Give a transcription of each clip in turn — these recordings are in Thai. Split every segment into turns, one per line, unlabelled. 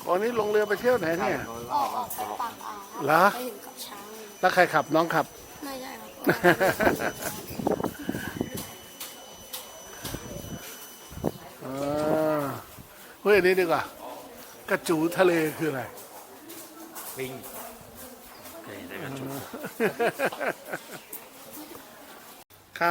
วันนี้ลงเรือไปเที่ยวไหนเนี่ย
ออกไปปากอ่าว
เหรอ
ไปถึงกับช้างเลย
แล้วใครขับน้องขับ
ไม่ได้ครับ
เฮ้ยอันนี้ดีกว่า กระจูทะเลคืออะไร
ปิงได้กันชุด
ครับ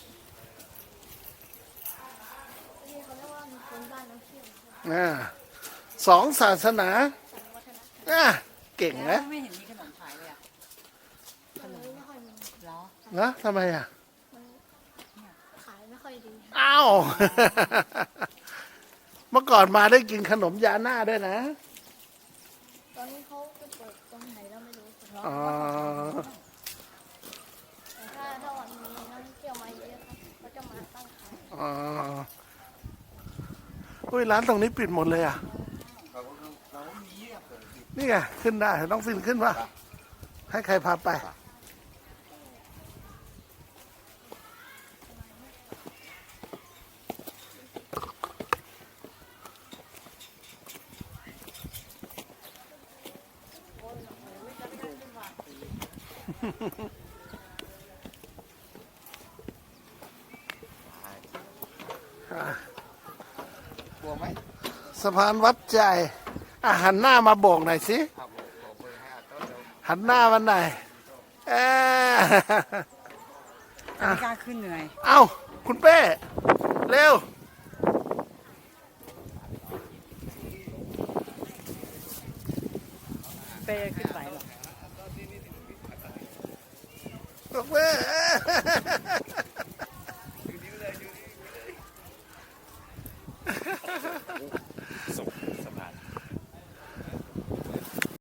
ที่เขาเรียกว่ามีคนบ้านน้ำเชี่ยว
สองศาสนา
สังวัฒนธรรม
เก่งนะ
ไม่เห็นมีขนมขายเลยอ่ะ
มันไม่ค่อยมี
เหรอ
นะทำไมอ่ะ
มันขายไม่ค่อยดี
อ้าว เมื่อก่อนมาได้กินขนมยาหน้าด้วยนะ
ตอนนี้เขาไปเปิดตรงไหนแล้วไม่รู้
อ๋อ
แต่ถ้าวันนี้นักท่องเที่ยวมาเยอะครับเขาจะมาตั้งขาย
อ๋ออุ้ยร้านตรงนี้ปิดหมดเลยอ่ะ นี่ไงขึ้นได้ต้องฟินขึ้นป่ะ ให้ใครพาไป
กลัวไหม
สะพานวัดใจหันหน้ามาโบกหน่อยสิ
ครับผมขอเบอร์ให้อาต้นเดี๋ยว
หันหน้ามันหน่อยเอ้ย
ไม่กล้าขึ้นเหนื่อย
เอ้า คุณเป้ เร็ว
เป้ขึ้นไหวหรอ
คุณเป้